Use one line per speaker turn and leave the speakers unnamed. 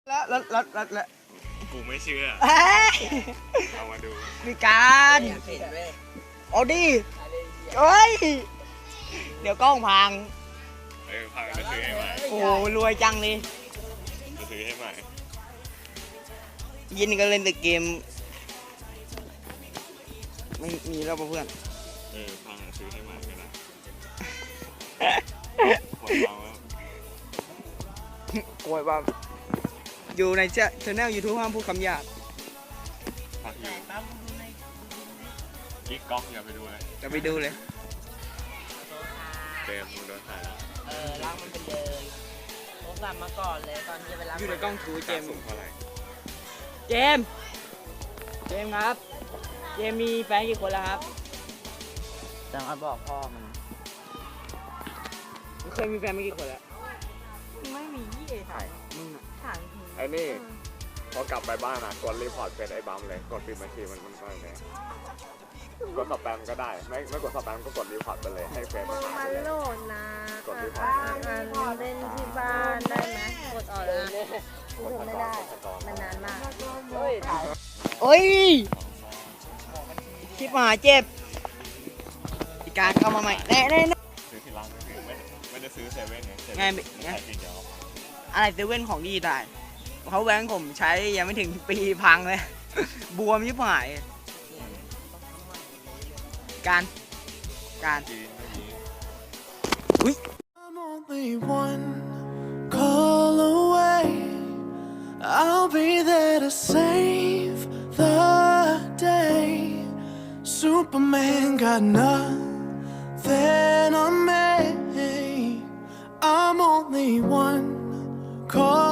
แล้ว
กูไม่เชื่อเอามาดู
มีการเอาดิเฮ้ยเดี๋ยวกล้องพัง
พังจะซื้อให้ใหม่
โอ้รวยจังเลย
จะซื้อให้ใหม่
ยินก็เล่นแต่เกมไม่มีแล้วเพื่อน
พังซื้อให้ใหม่ก็ได้ปวดเราแล้ว
โอ้ยบ้าอยู่ในchannel YouTube ห้ามพูดคำหยาบ
พักอยู่กิ๊กก๊อกอย่าไปดูเลย
จะไปดูเลย
เต็มมึงโดนถ่ายแล้ว
ล้างมันไปเลยโทรศัพท์มาก่อนเลยตอนที่จะไปรับ
อยู่ในกล้องทูเจม
สูงเท่าไหร่
เจมครับเจมมีแฟนกี่คนแล้วครับ
จังหวะบอกพ่อมัน
เคยมีแฟนไม่กี่คนแล้ว
ไม่มีถ่าย
มึงอ่ะ
ถ่าย
ไอ้นี่พอกลับไปบ้านกดรีพอร์ตเป็นไอ้บัมเลยกดปิดบัญชีมันก็เลยกดสแปมก็ได้ไม่กดสแปมก็กดรีพอร์ตไปเลยให้เฟซ
มึ
มาง หา
มา
เลย
โหลดนะ
กดรีพอร์ต
มันเล่นที่บ้านได้ไหมกดออกแล้วกูทำไม่ได้ มันนานมาก
เฮ้ยถ่าย
เอ้ยคลิปมาเจ็บอีการเข้ามาใหม่แน่
ซื้อที่ร้านไม่ได้ซื้อเซเว่นไงเซ
ไง
เว่นใส่ทีเดียว
อะไรเซเว่นของดีได้เขาแบงค์ผมใช้ยังไม่ถึงปีพังเลย บวมยิบหายการ
จีนเมื่อกี้
I'm only one call away. I'll be there to save the day. Superman got nothing on me. I'm only one call